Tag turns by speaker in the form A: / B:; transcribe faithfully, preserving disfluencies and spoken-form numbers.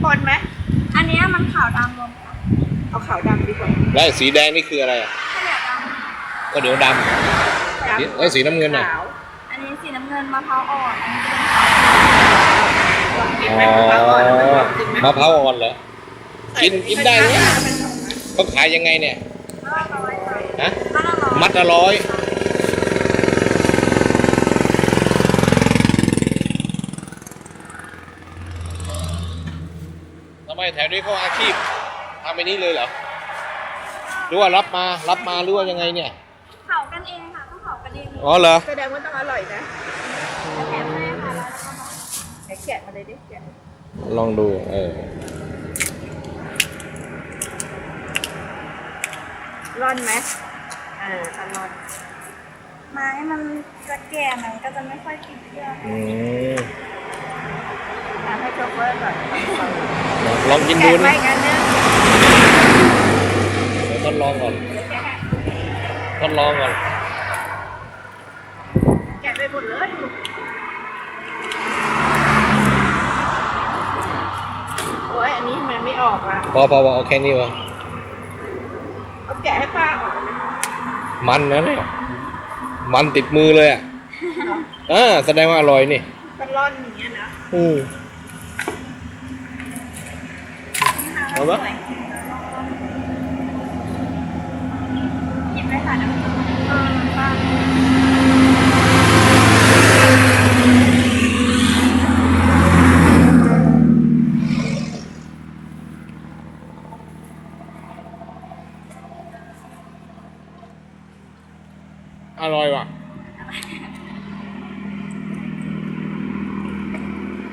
A: นไหม
B: อันนี้มันขาวดำรวมกัน
A: เอาขาวดำดีกว่า
C: แล้วสีแดงนี่คืออะไรอ่ะก็เดี๋ยวดำแล้วสีน้ำเงินอ่ะ
B: อันนี้สีน้ำเงินมะพร้าวอ่อนอันนี้
C: เป็นอ๋อมะพร้าวอ่อนเหรอกินกินได้ไหมเขาขายยังไงเนี่ยฮะมัดละร้อยทำไมแถวนี้เขาอาชีพทำไปนี้เลยเหรอหรือว่ารับมารับมาหรือว่ายังไงเนี่ย
B: เผากันเองค่ะต้องเผากันเอง
C: อ๋อเหรอ
A: แสดงว่าต้องอร่อยนะ
B: แถมให้ค่ะแล้วก็
A: ไหนแกะมาเลยดิแกะ
C: ลองดูเออ
A: ร่อนไหมเออตร่อน
B: ไม้มันจะแก่มันก็จะไม่ค่อยติดเชื้อ
C: อืม
A: ให้โชเฟอร์ก่อน
C: ลองกินดู
A: นะแกะไปกันเนี่ย
C: เดี๋ยวทดลองก่อนทดลองก่อน
A: แกะไปหมดเลยโอ้ยอันนี้มันไม่ออกอ่ะ
C: พอพอพอเอาแค่นี้วะ
A: เอาแกะให้ป้าออก
C: มันนะเนี่ยมันติดมือเลยอ่ะอ่าแสดงว่าอร่อยนี่
A: มันร่อนอย่างเงี้ยนะ
C: อืมเอาปะ
B: หยิบไปค่ะน้ำ